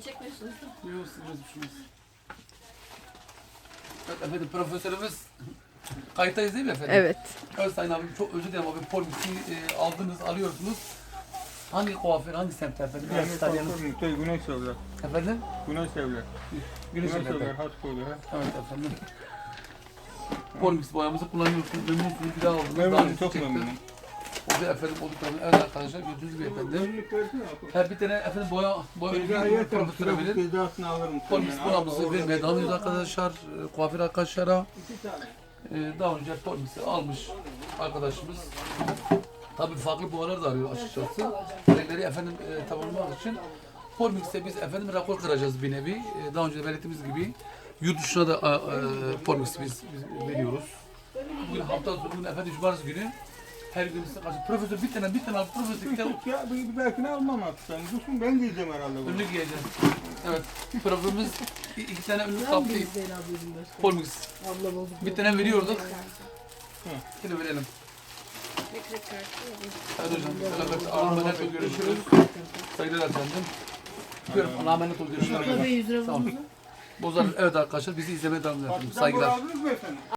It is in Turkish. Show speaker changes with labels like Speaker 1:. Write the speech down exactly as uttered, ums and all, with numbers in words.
Speaker 1: Beni çekmiyorsunuz da.
Speaker 2: Yok, siz düşünmez. Evet efendim, profesörümüz kayıttayız değil mi efendim?
Speaker 3: Evet.
Speaker 2: Evet Sayın abim, çok özür dilerim abi, polisi e, aldınız, alıyorsunuz. Hangi kuaför, hangi semtte efendim?
Speaker 4: Yani
Speaker 2: Biraz tanıyalım.
Speaker 4: kuaför Müktay Güneş Evler.
Speaker 2: Efendim?
Speaker 4: Güneş Evler.
Speaker 2: Güneş
Speaker 4: Güneş
Speaker 2: efendim.
Speaker 4: Evler, Haskoy'da.
Speaker 2: Evet efendim. Polmix boyamızı kullanıyorsunuz, memnunsunuz, bir daha aldınız.
Speaker 4: Memnunum,
Speaker 2: daha
Speaker 4: çok
Speaker 2: çıktı.
Speaker 4: memnunum.
Speaker 2: O da efendim olduklarını, evet arkadaşlar gördüğünüz gibi efendim. Her bir tane efendim boya, boya ürünü profesöre verin.
Speaker 4: Cezasını alırım.
Speaker 2: Polmix boyamızı vermeye devam ediyoruz arkadaşlar. E, Kuaför arkadaşlara. E, daha önce Polmix'i almış arkadaşımız. Tabii farklı boyalar da arıyor açıkçası. Renkleri efendim e, tamamlamak için. Polmix'te biz efendim rakor kıracağız bir nevi. E, daha önce de belirttiğimiz gibi yurt dışına da e, e, Polmix biz, biz veriyoruz. Bugün hafta sonu, bugün efendim cumartesi günü her gün size karşı profesör bir tane bir tane al, profesör bir tane
Speaker 4: Ya bir, bir dahakine almam artık. Yani dursun ben giyeceğim herhalde bunu.
Speaker 2: ünlü giyeceğiz. Evet, profesörümüz i- iki tane ünlü kaptı. Polmix. Bir tane veriyorduk. Şimdi verelim. Hadi hocam, beraber Allah'a emanet ol, görüşürüz. Saygılar efendim. Öpüyorum, Allah'a emanet ol, görüşürüz.
Speaker 1: yüz lira
Speaker 2: Sağ olun. Bozar, evet arkadaşlar bizi izlemeye devam edin. Saygılar.
Speaker 4: Aldınız mı efendim?